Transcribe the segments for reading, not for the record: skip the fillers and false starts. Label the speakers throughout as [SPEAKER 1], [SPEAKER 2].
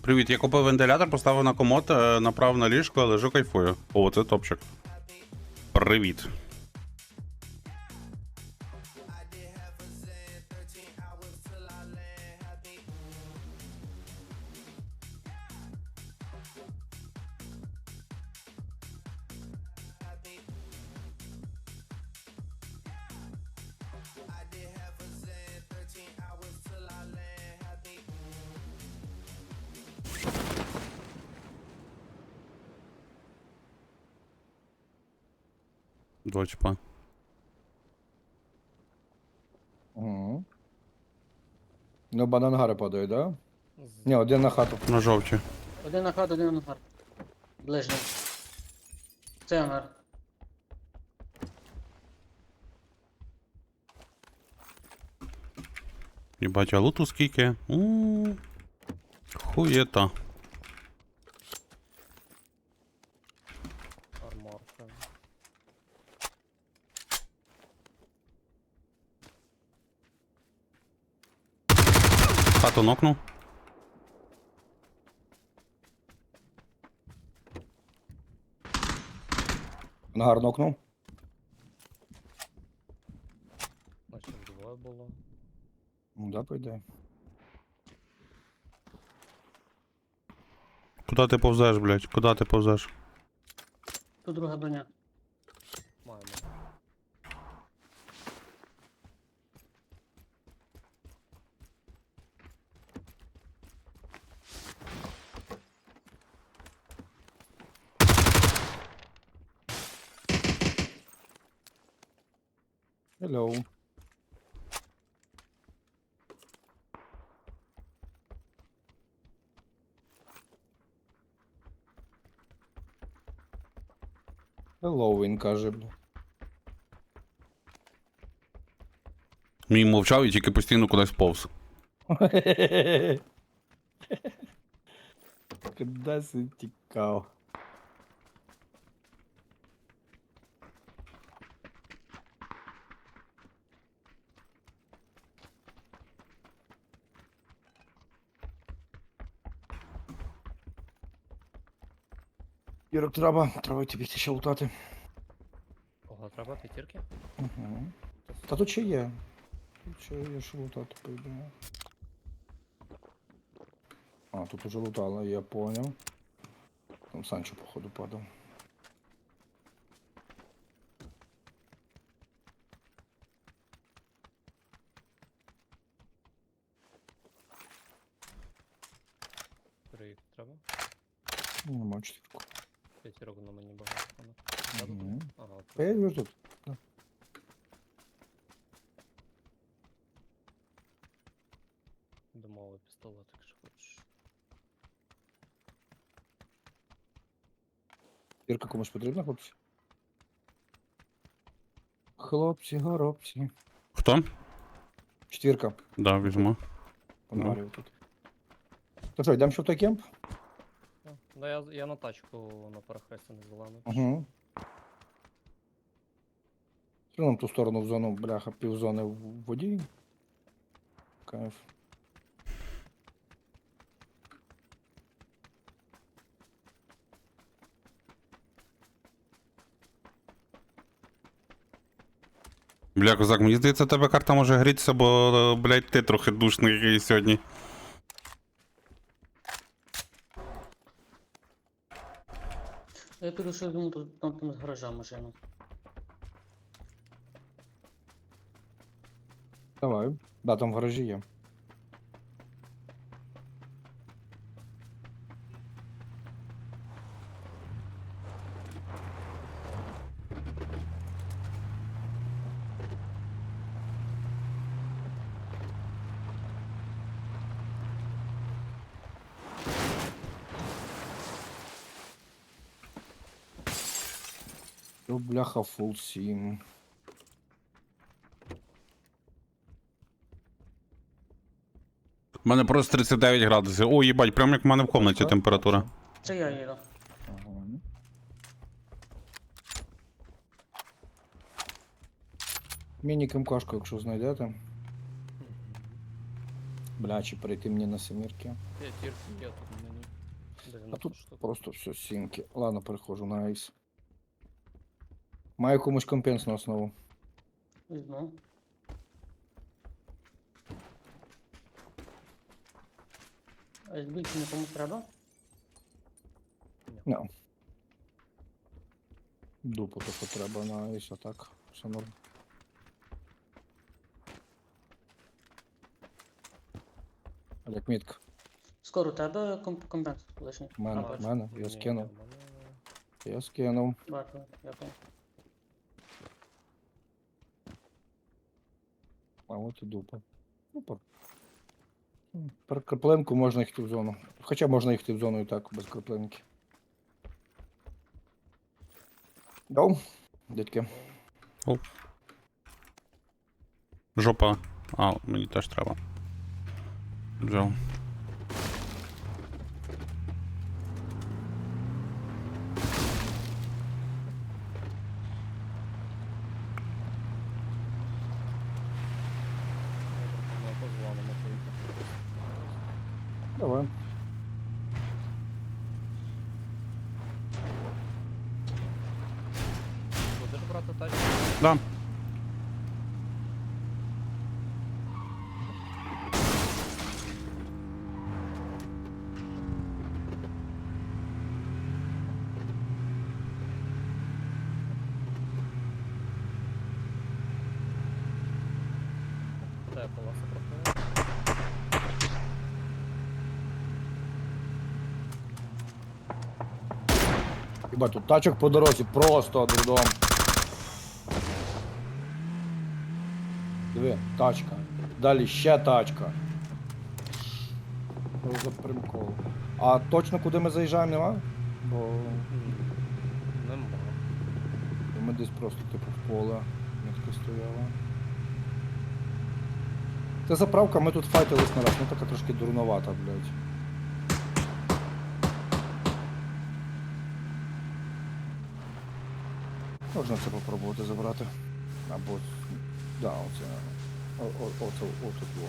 [SPEAKER 1] Привіт, я купив вентилятор, поставив на комод, направив на ліжко, лежу кайфую. О, це топчик. Привіт. Дочпа.
[SPEAKER 2] Угу. Ну, банангари падають, да? Ні, один на хату.
[SPEAKER 1] На жовті.
[SPEAKER 3] Один на хату, один на ангар. Ближній. Це ангар.
[SPEAKER 1] Єбать, а луту скільки? Хуєта.
[SPEAKER 4] Арморка.
[SPEAKER 1] Хату нокнув.
[SPEAKER 2] Ангар нокнув.
[SPEAKER 4] Значить двоє було.
[SPEAKER 2] Ну, да, пойде.
[SPEAKER 1] Куда ти повзеш, блядь? Куда ти повзеш?
[SPEAKER 3] Тут друга броня.
[SPEAKER 4] Маємо.
[SPEAKER 2] Hello. Hello, він каже, бля.
[SPEAKER 1] Мій мовчав і тільки постійно кудись повз.
[SPEAKER 2] Куди си тікав? Ірок, треба йти бігти ще лутати.
[SPEAKER 4] Кого треба? П'ятірки?
[SPEAKER 2] Угу. Та тут ще є. Тут ще є що лутати, по ідеї. А, тут уже лутали, я понял. Там Санчо, походу, падав.
[SPEAKER 4] Три треба?
[SPEAKER 2] Ну, нема четвірку.
[SPEAKER 4] П'ятірок на мені багато. Ага.
[SPEAKER 2] Мгм.
[SPEAKER 4] Ага, от.
[SPEAKER 2] А я вижу тут. Да.
[SPEAKER 4] Домовий пістолет, якщо хочеш.
[SPEAKER 2] Ірка комусь потрібна, хлопці? Хлопці, горобці.
[SPEAKER 1] Хто?
[SPEAKER 2] Четвірка.
[SPEAKER 1] Да, візьму.
[SPEAKER 2] Понагарюю тут. То що, йдемо ще в той кемп?
[SPEAKER 4] Да, я на тачку на перехресті не зелену.
[SPEAKER 2] Угу. Нам ту сторону в зону, бляха, півзони в воді. Кайф.
[SPEAKER 1] Бля, козак, мені здається, тебе карта може грітися, бо, блядь, ти трохи душний який сьогодні.
[SPEAKER 3] Я піду, що думаю, тут там з гаража машину.
[SPEAKER 2] Давай. Да, там в гаражі є. О, бляха, фул сім.
[SPEAKER 1] У мене просто 39 градусів. О, їбать, прям як в мене в комнаті температура.
[SPEAKER 3] Це я їду.
[SPEAKER 2] Ага. Міні-КМКшку, якщо знайдете. Бля, чи перейти мені на семірки.
[SPEAKER 4] П'ятірки є тут мені.
[SPEAKER 2] А
[SPEAKER 4] 90
[SPEAKER 2] тут
[SPEAKER 4] штук.
[SPEAKER 2] просто все сімки. Ладно, переходжу на айс. Маю комусь компенс на основу.
[SPEAKER 3] Візьму. А більше нікому треба?
[SPEAKER 2] No. Дупу таку треба на айс, а так. Все норм. Олег, мітка.
[SPEAKER 3] Скоро у тебе компенс лишній.
[SPEAKER 2] В мене,
[SPEAKER 3] бачу.
[SPEAKER 2] в мене,
[SPEAKER 4] Ні,
[SPEAKER 2] я
[SPEAKER 4] ні,
[SPEAKER 2] скинув.
[SPEAKER 4] в мене-
[SPEAKER 2] Я скинув.
[SPEAKER 3] Бачу, дякую.
[SPEAKER 2] А от і дупа. Ну, per краплинку можна йти в зону. Хоча можна йти в зону і так, без краплинки. Дав? Дядьки.
[SPEAKER 1] Жопа. А, мені теж треба. Взяв.
[SPEAKER 4] Ми позвонимо поїхати.
[SPEAKER 2] Давай.
[SPEAKER 4] Будеш брати тачку?
[SPEAKER 1] Да.
[SPEAKER 4] Де полоса проходить?
[SPEAKER 2] Хіба тут тачок по дорозі, просто дурдом. Диви, тачка. Далі ще тачка. Що за примкол? А точно куди ми заїжджаємо, нема? Бо
[SPEAKER 4] Нема.
[SPEAKER 2] ми десь просто типу в поле. Мітка стояла. Це заправка, ми тут файтились на раз, ну така трошки дурновата, блядь. Можна це попробувати забрати. Або. Да, оце. Оце отут во.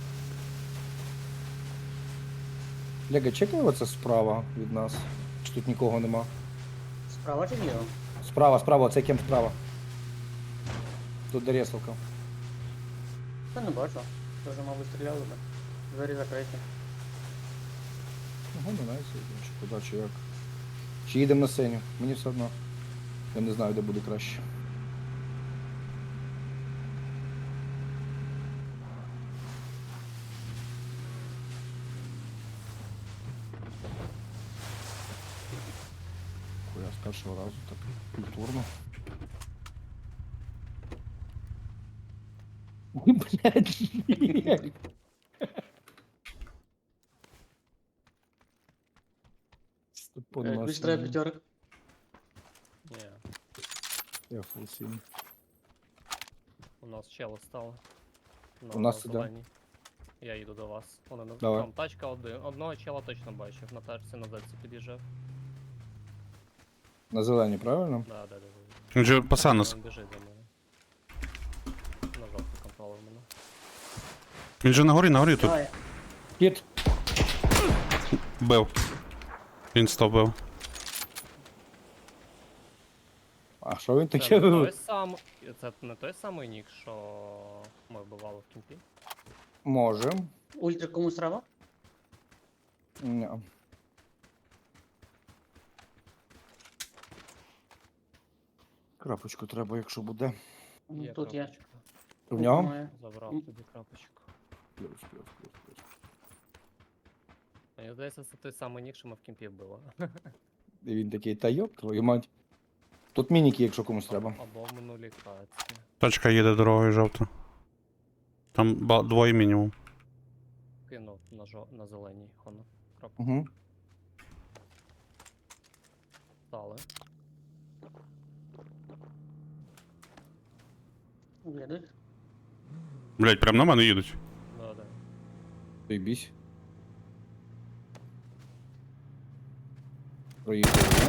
[SPEAKER 2] Лего, чекай оце справа від нас. Чи тут нікого нема?
[SPEAKER 3] Справа чи ліво?
[SPEAKER 2] Справа, оце кем справа. Тут де ресалка.
[SPEAKER 3] Та не бачу. Тоже, мабуть, стріляли би. Двері закриті.
[SPEAKER 2] Ого, не знаю, чи куди, чи як. Чи їдемо на сцені? Мені все одно. Я не знаю, де буде краще. Хуя, з першого разу так культурно. Ой, блядь, ні. Степан
[SPEAKER 3] Більш
[SPEAKER 2] Масляний.
[SPEAKER 3] треба п'ятерок.
[SPEAKER 4] Ні,
[SPEAKER 2] Я фулсім.
[SPEAKER 4] у нас чели стали.
[SPEAKER 2] У нас іде.
[SPEAKER 4] зеленій. Я їду до вас. Вони на
[SPEAKER 2] Давай.
[SPEAKER 4] там тачка одного чела точно бачив. На тачці на зельці під'їжджав.
[SPEAKER 2] На зелені, правильно?
[SPEAKER 4] Да.
[SPEAKER 1] Він же паса нас.
[SPEAKER 4] Він біжить за мною. На жовтий контролер мене.
[SPEAKER 1] Він же на горі тут
[SPEAKER 3] Давай.
[SPEAKER 2] Кіт.
[SPEAKER 1] бив. Він 100 бив.
[SPEAKER 2] А що він
[SPEAKER 4] Це
[SPEAKER 2] таке
[SPEAKER 4] не той
[SPEAKER 2] вивив?
[SPEAKER 4] це не той самий нік, що ми вбивали в кімпі.
[SPEAKER 2] Може.
[SPEAKER 3] Ультра комусь треба?
[SPEAKER 2] Ні. Крапочку треба, якщо буде.
[SPEAKER 3] Тут є.
[SPEAKER 4] крапочка.
[SPEAKER 2] В нього?
[SPEAKER 3] Має.
[SPEAKER 4] Забрав тобі крапочку.
[SPEAKER 2] Плюс.
[SPEAKER 4] Мені здається, це той самий нік, що ми в кімпі вбили.
[SPEAKER 2] І він такий, та йоп, твою мать. Тут мініки, якщо комусь треба.
[SPEAKER 4] Або в минулій каці.
[SPEAKER 1] Точка їде дорогою жовта. Там двоє мінімум.
[SPEAKER 4] Кинув на зеленій хону. Крапку.
[SPEAKER 2] Угу.
[SPEAKER 4] Стали.
[SPEAKER 3] Їдуть.
[SPEAKER 1] Блять, прям на мене їдуть.
[SPEAKER 4] Да.
[SPEAKER 2] Бійбісь. Проїхали.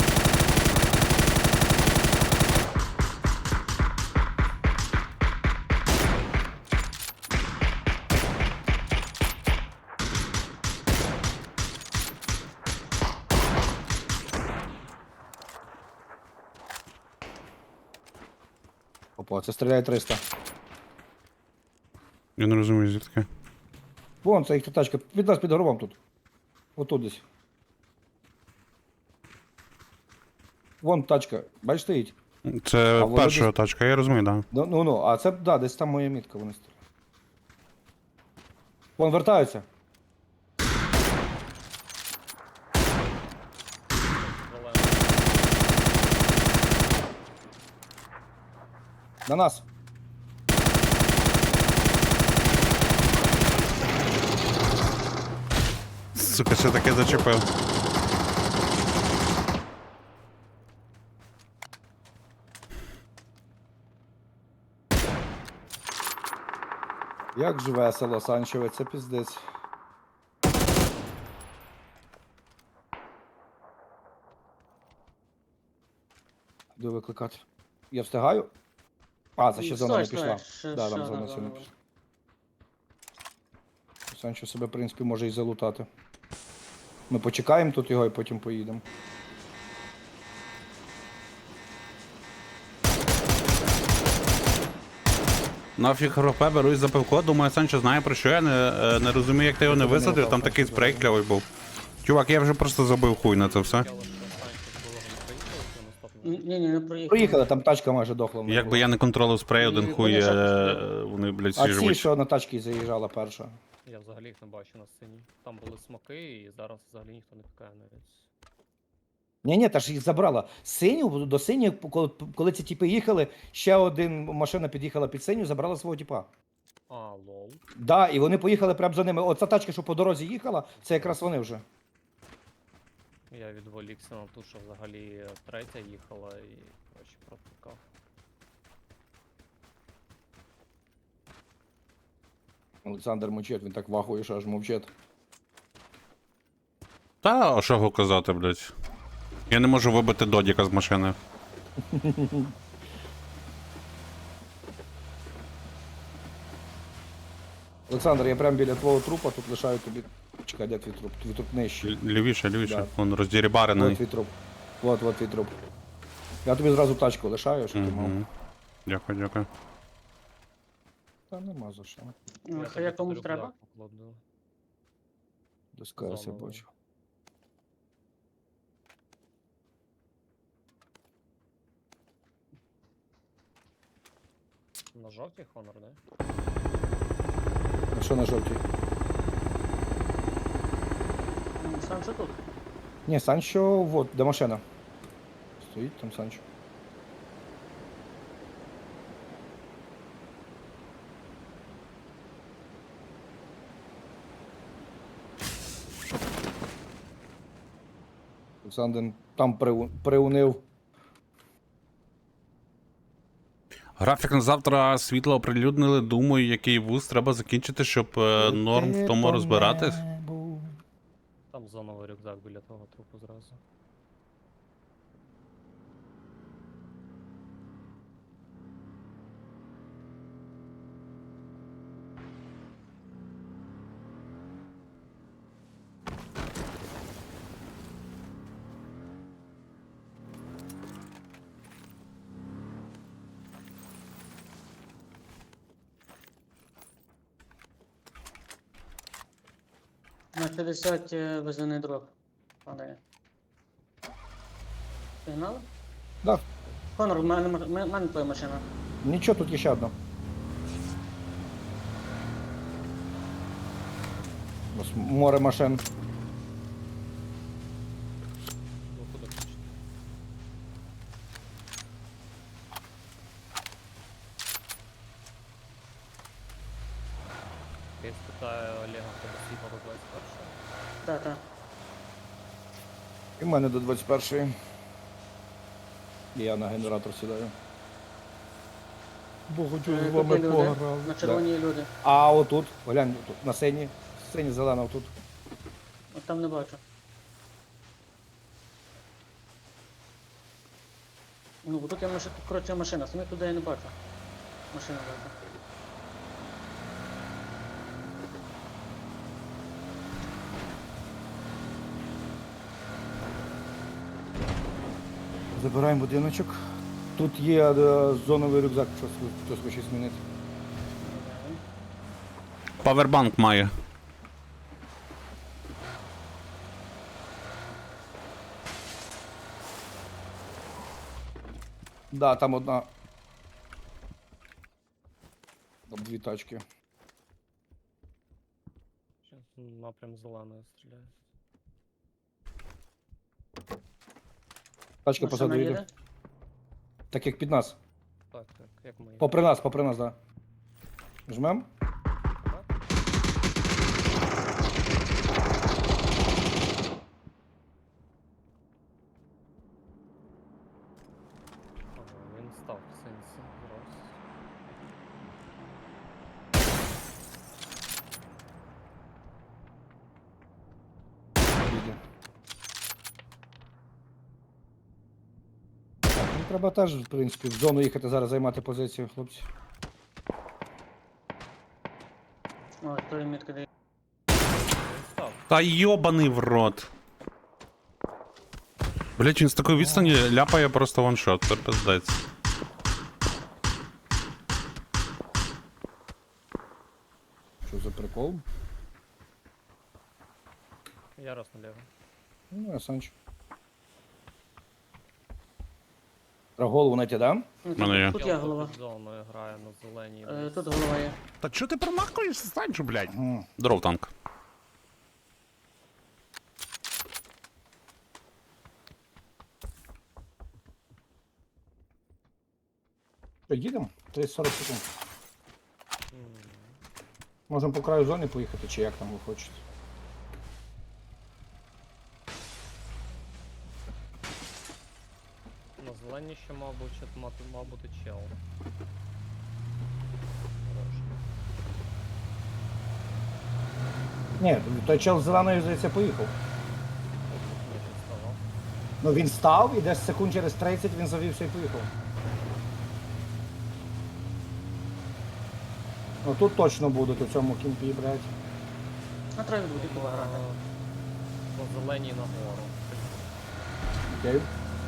[SPEAKER 2] Опа, це стріляє 300.
[SPEAKER 1] Я не розумію, звідки.
[SPEAKER 2] Вон, це їх тачка. Від нас під горбом тут. Отут десь. Вон тачка. Бачиш, стоїть.
[SPEAKER 1] Це
[SPEAKER 2] А вони
[SPEAKER 1] перша
[SPEAKER 2] десь-
[SPEAKER 1] тачка, я розумію, так. Да.
[SPEAKER 2] Ну, а це, да, десь там моя мітка, вони стріляють. Вон вертаються.
[SPEAKER 4] Зелена.
[SPEAKER 2] На нас.
[SPEAKER 1] Сука, ще таке зачепив.
[SPEAKER 2] Як ж весело, Санчеве, це піздець. Йду викликати. Я встигаю? А, це ще зона не пішла. Да, там зона ще не пішла. Санчо себе, в принципі, може і залутати. Ми почекаємо тут його і потім поїдемо.
[SPEAKER 1] Нафіг РП берусь за пивко, думаю, Санчо знає про що я не розумію, як ти його не висадив, там такий спрей кльовий був. Чувак, я вже просто забив хуй на це все.
[SPEAKER 4] Хотіло, що Санчо з Бологом не приїхали, то наступного.
[SPEAKER 3] Ні, не проїхали.
[SPEAKER 2] Проїхали, там тачка майже дохла. в мене
[SPEAKER 1] Якби
[SPEAKER 2] була.
[SPEAKER 1] я не контролив спрей, один
[SPEAKER 3] Ні,
[SPEAKER 1] хуй,
[SPEAKER 3] вони ще
[SPEAKER 1] вони, блядь, всі
[SPEAKER 2] А ці,
[SPEAKER 1] живуть.
[SPEAKER 2] що на тачці заїжджала перша.
[SPEAKER 4] Я взагалі їх не бачу на сцені. Там були смоки, і зараз взагалі ніхто не пікає навіть.
[SPEAKER 2] Ні, та ж їх забрала. Синю, до синю, коли ці тіпи їхали, ще один машина під'їхала під синю, забрала свого тіпа.
[SPEAKER 4] А, лол.
[SPEAKER 2] Да, і вони поїхали прямо за ними. Оця тачка, що по дорозі їхала, це якраз вони вже.
[SPEAKER 4] Я відволікся на ту, що взагалі третя їхала і коротше протикав.
[SPEAKER 2] Олександр мовчить, він так вахує, що аж мовчить.
[SPEAKER 1] Та, а що його казати, блядь? Я не можу вибити Додіка з машини.
[SPEAKER 2] Олександр, я прямо біля твого трупа, тут лишаю тобі. Чекай, де твій труп? Твій труп нижчий.
[SPEAKER 1] Лівіше,
[SPEAKER 2] Да.
[SPEAKER 1] лівіше. Вон
[SPEAKER 2] Вот
[SPEAKER 1] роздірібарений.
[SPEAKER 2] твій труп. Вот твій труп. Я тобі зразу тачку лишаю, щоб ти мав.
[SPEAKER 1] Угу. Дякую, дякую.
[SPEAKER 2] Та нема за що.
[SPEAKER 3] Ну,
[SPEAKER 4] Я
[SPEAKER 3] Це я
[SPEAKER 4] тобі
[SPEAKER 3] комусь
[SPEAKER 4] рюкзак
[SPEAKER 3] треба?
[SPEAKER 4] покладу.
[SPEAKER 2] Доскаюся, я
[SPEAKER 4] Заново.
[SPEAKER 2] бачу.
[SPEAKER 4] На жовтій Honor, да?
[SPEAKER 2] А що на жовтій?
[SPEAKER 3] Сам що тут?
[SPEAKER 2] Ні, Санчо, вот, де машина. Стоїть там Санчо. Олександр там приунив.
[SPEAKER 1] Графік на завтра світло оприлюднили. Думаю, який вуз треба закінчити, щоб норм в тому розбиратись.
[SPEAKER 4] Там зоновий рюкзак біля того трупу зразу.
[SPEAKER 3] На 50 везений дроп. Падає. Пігнали?
[SPEAKER 2] Да.
[SPEAKER 3] Конор, в мене твоя машина.
[SPEAKER 2] Нічого, тут є ще одна. Ось море машин.
[SPEAKER 4] Ну куди хочете. Я спитаю Олега, хто до світла до 21-го.
[SPEAKER 3] Так.
[SPEAKER 2] І в мене до 21-ї. І я на генератор сідаю. Бо хочу з
[SPEAKER 3] Тут
[SPEAKER 2] вами
[SPEAKER 3] є люди.
[SPEAKER 2] пограв.
[SPEAKER 3] На
[SPEAKER 2] Да.
[SPEAKER 3] червоній люди.
[SPEAKER 2] А отут, глянь, тут, на сині. Сині зелена отут.
[SPEAKER 3] От там не бачу. Ну, бо тут я машина, коротше машина, самі туди я не бачу. Машина бачу.
[SPEAKER 2] Забираємо будиночок. Тут є зоновий рюкзак, якщо хтось хоче змінити.
[SPEAKER 1] Павербанк має.
[SPEAKER 2] Да, там одна. Там дві тачки.
[SPEAKER 4] Щас напрям зеленої стріляє.
[SPEAKER 2] Тачка
[SPEAKER 3] Машина
[SPEAKER 2] позаду їде.
[SPEAKER 3] їде?
[SPEAKER 2] Так як під нас.
[SPEAKER 4] Так, як ми їх.
[SPEAKER 2] Попри нас, да. Жмем?
[SPEAKER 4] Ага, він став в сенсі. Раз.
[SPEAKER 2] Їде. Так, ну треба теж, в принципі, в зону їхати зараз займати позицію, хлопці.
[SPEAKER 3] О, той мітка дає.
[SPEAKER 4] Він став.
[SPEAKER 1] Та йобаний в рот. Блять, він з такої відстані ляпає просто ваншот, це пиздець.
[SPEAKER 2] Що за прикол?
[SPEAKER 4] Я раз наліво.
[SPEAKER 2] Ну, я Санч. Про голову на ті, да?
[SPEAKER 3] Ну,
[SPEAKER 1] Мене є.
[SPEAKER 3] Тут я голова.
[SPEAKER 4] Під зоною грає на зеленій.
[SPEAKER 3] Тут голова є.
[SPEAKER 1] Та чо ти промахуєшся, Санчо, блять?
[SPEAKER 2] Ага.
[SPEAKER 1] Здоров, танк.
[SPEAKER 2] Що, їдемо? 30-40 секунд.
[SPEAKER 4] М,
[SPEAKER 2] Можемо по краю зони поїхати, чи як там ви хочете.
[SPEAKER 4] На зеленій ще, мав бути чел. Хорош.
[SPEAKER 2] Ні, той чел з зеленою, здається, поїхав.
[SPEAKER 4] Ні, він ставав.
[SPEAKER 2] Ну він став і десь секунд через 30 він завівся і поїхав. Ну тут точно будуть у цьому кімпі, блядь.
[SPEAKER 3] А треба буде пограти.
[SPEAKER 4] По зеленій нагору.
[SPEAKER 2] Окей.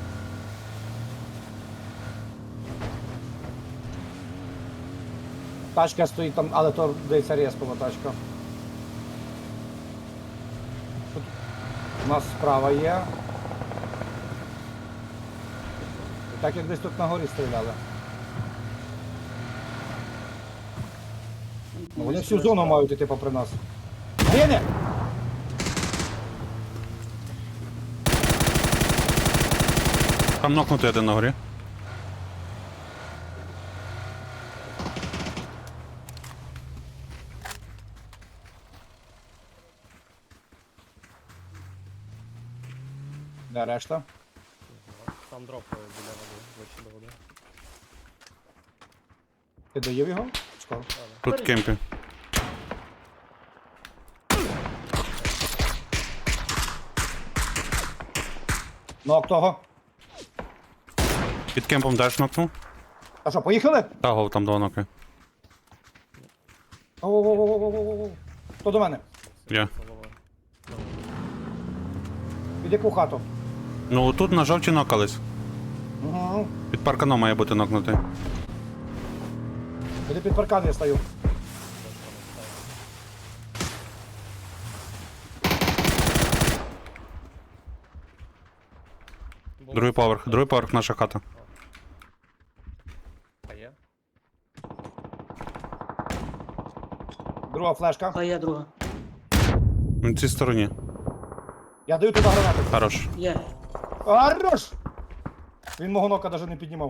[SPEAKER 2] Тачка стоїть там, але то здається респова тачка. Тут у нас справа є. І так як десь тут на горі стріляли. Ну, вони всю зону мають іти попри нас. Гине!
[SPEAKER 1] Там нокнутий один на горі.
[SPEAKER 2] Де решта?
[SPEAKER 4] Там дропає біля води, ближче до води.
[SPEAKER 2] Ти доїв його? Скоро.
[SPEAKER 1] Тут в кемпі.
[SPEAKER 2] Нок того.
[SPEAKER 1] Під кемпом теж нокнув.
[SPEAKER 2] А що, поїхали?
[SPEAKER 1] Та гол, там два ноки.
[SPEAKER 2] Оу-оу-оу-оу-оу-оу. Хто до мене?
[SPEAKER 1] Я.
[SPEAKER 4] Головою.
[SPEAKER 2] Під яку хату?
[SPEAKER 1] Ну тут на жовті нокались.
[SPEAKER 2] Угу.
[SPEAKER 1] Під парканом має бути нокнутий.
[SPEAKER 2] Іди під паркан я стою.
[SPEAKER 1] Другий поверх наша хата.
[SPEAKER 4] А є?
[SPEAKER 2] Друга флешка.
[SPEAKER 3] А є друга.
[SPEAKER 1] На цій стороні.
[SPEAKER 2] Я даю туди гранату.
[SPEAKER 1] Хорош.
[SPEAKER 3] Є.
[SPEAKER 2] Хорош! Він мого нока навіть не піднімав.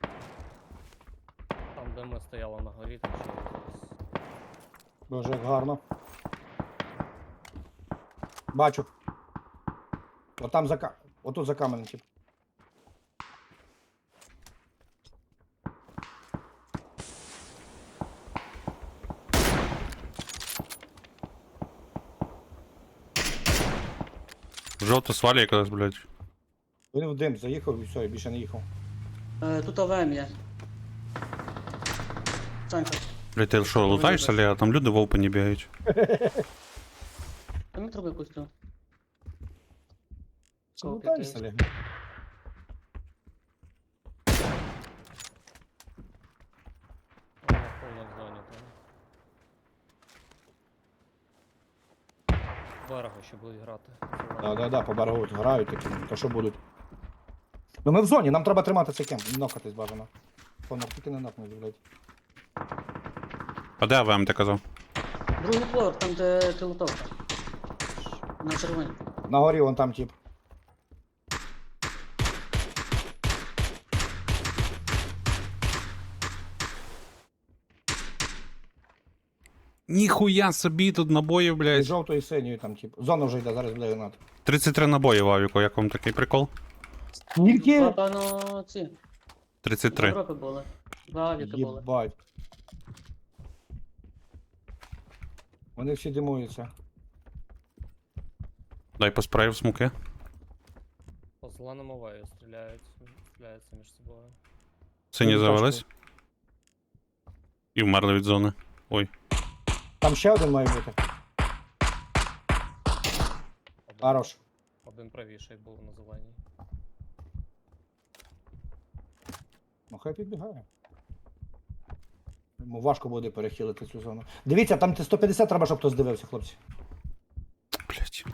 [SPEAKER 4] Там, де ми стояли на горі, там ще зараз.
[SPEAKER 2] Дуже як гарно. Бачу. Отам за отут за каменем, тип.
[SPEAKER 1] Жовто свалі якось, блядь.
[SPEAKER 2] Він в дим заїхав і все, і більше не їхав.
[SPEAKER 3] Тут ОВМ є. Санька.
[SPEAKER 1] Блядь, ти що, лутаєшся, Леа? Там люди в опені бігають.
[SPEAKER 3] А ми трубу якусь тут.
[SPEAKER 2] Ну, та й селі.
[SPEAKER 4] Повно в зоні там. Берегу ще будуть грати.
[SPEAKER 2] Да, по берегу грають такі, то що будуть. Ну ми в зоні, нам треба тримати цей кемп, не нокатись бажано. Понок, тільки не нокнуть, блядь.
[SPEAKER 1] А де АВМ ти казав?
[SPEAKER 3] Другий поверх, там де пілотовка. На червоні.
[SPEAKER 2] На горі вон там тип.
[SPEAKER 1] Ніхуя собі тут набоїв,
[SPEAKER 2] І
[SPEAKER 1] блядь.
[SPEAKER 2] жовтою і синьою там тип. Зона вже йде, зараз буде гранат.
[SPEAKER 1] 33 набої в авіку, як вам такий прикол?
[SPEAKER 2] Скільки?
[SPEAKER 3] Напевно, ці.
[SPEAKER 1] 33.
[SPEAKER 3] Європи були. Два авіки були.
[SPEAKER 2] Єбать. Вони всі димуються.
[SPEAKER 1] Дай по спрею в смоки.
[SPEAKER 4] По зеленому вею стріляються між собою.
[SPEAKER 1] Сині
[SPEAKER 2] Ой,
[SPEAKER 1] завелись. І вмерли від зони. Ой.
[SPEAKER 2] Там ще один має бути. Хорош.
[SPEAKER 4] Один правіший був на зеленій.
[SPEAKER 2] Ну хай підбігає. Йому важко буде перехилити цю зону. Дивіться, там 150 треба, щоб хтось дивився, хлопці.
[SPEAKER 1] Блядь.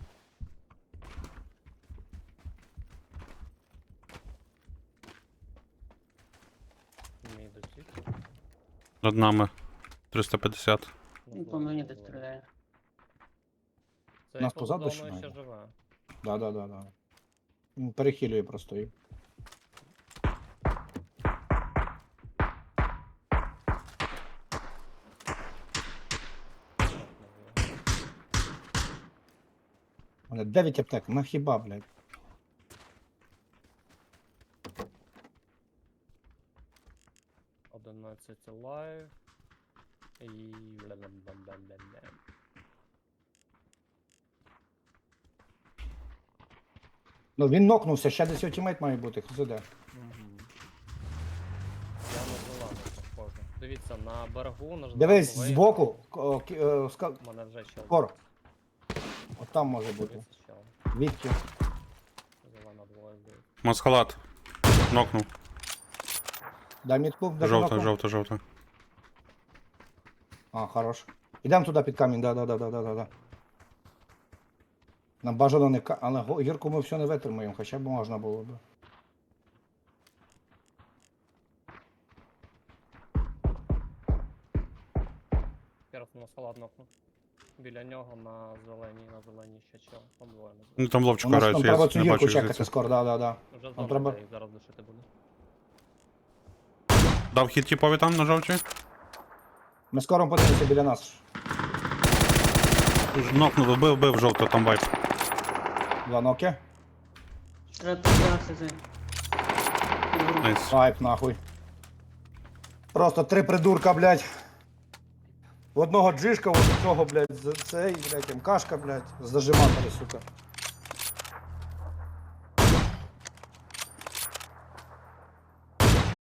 [SPEAKER 4] Мій дотік.
[SPEAKER 1] Над нами 350.
[SPEAKER 3] Ну, по мені десь стріляє.
[SPEAKER 4] Цей
[SPEAKER 2] Нас
[SPEAKER 4] поза
[SPEAKER 2] позаду
[SPEAKER 4] зоною
[SPEAKER 2] ще
[SPEAKER 4] ще живе.
[SPEAKER 2] Да. Він перехилює просто її. У мене 9 аптек, на хіба, блядь.
[SPEAKER 4] Одинадцять лайв. І... бля-бля-бля-бля-бля.
[SPEAKER 2] Ну він нокнувся, ще десь його тімейт має бути, хто де.
[SPEAKER 4] Я на зелену похожу. Дивіться, на берегу, на
[SPEAKER 2] Дивись,
[SPEAKER 4] зеленому
[SPEAKER 2] збоку,
[SPEAKER 4] мене вже чел.
[SPEAKER 2] скоро. От там може бути.
[SPEAKER 4] Дивіться, чел.
[SPEAKER 2] Відки.
[SPEAKER 4] Зелена двоє буде.
[SPEAKER 1] Масхалат. Нокнув.
[SPEAKER 2] Дай мітку, дай
[SPEAKER 1] Жовта,
[SPEAKER 2] нокну.
[SPEAKER 1] жовта.
[SPEAKER 2] А, хорош. Ідемо туди під камінь, да. Нам бажано не але гірку ми все не витримаємо, хоча б можна було б.
[SPEAKER 4] Перед на салат нокнув. Біля нього на зеленій ще чел. Там двоє на
[SPEAKER 1] Ну
[SPEAKER 4] зеленій.
[SPEAKER 1] там
[SPEAKER 2] У
[SPEAKER 1] ловчика
[SPEAKER 2] нас
[SPEAKER 1] грається,
[SPEAKER 2] там треба
[SPEAKER 1] я
[SPEAKER 2] цю
[SPEAKER 1] не
[SPEAKER 2] гірку
[SPEAKER 1] бачу
[SPEAKER 2] чекати
[SPEAKER 1] звідси.
[SPEAKER 2] скоро, да.
[SPEAKER 4] Вже
[SPEAKER 2] Нам
[SPEAKER 4] зона
[SPEAKER 2] треба-
[SPEAKER 4] йде, і зараз душити буде.
[SPEAKER 1] Дав хід тіпові там на жовчі?
[SPEAKER 2] Ми скоро подивимося біля нас.
[SPEAKER 1] Нокнув, бив жовто, там вайп.
[SPEAKER 2] 2 ноки.
[SPEAKER 3] Треба підбиратися цей.
[SPEAKER 1] Найс.
[SPEAKER 2] Вайп нахуй. Просто 3 придурка, блядь. В одного джишка, в цього, блядь, цей, блядь, МКшка, блядь, з зажиматори, сука.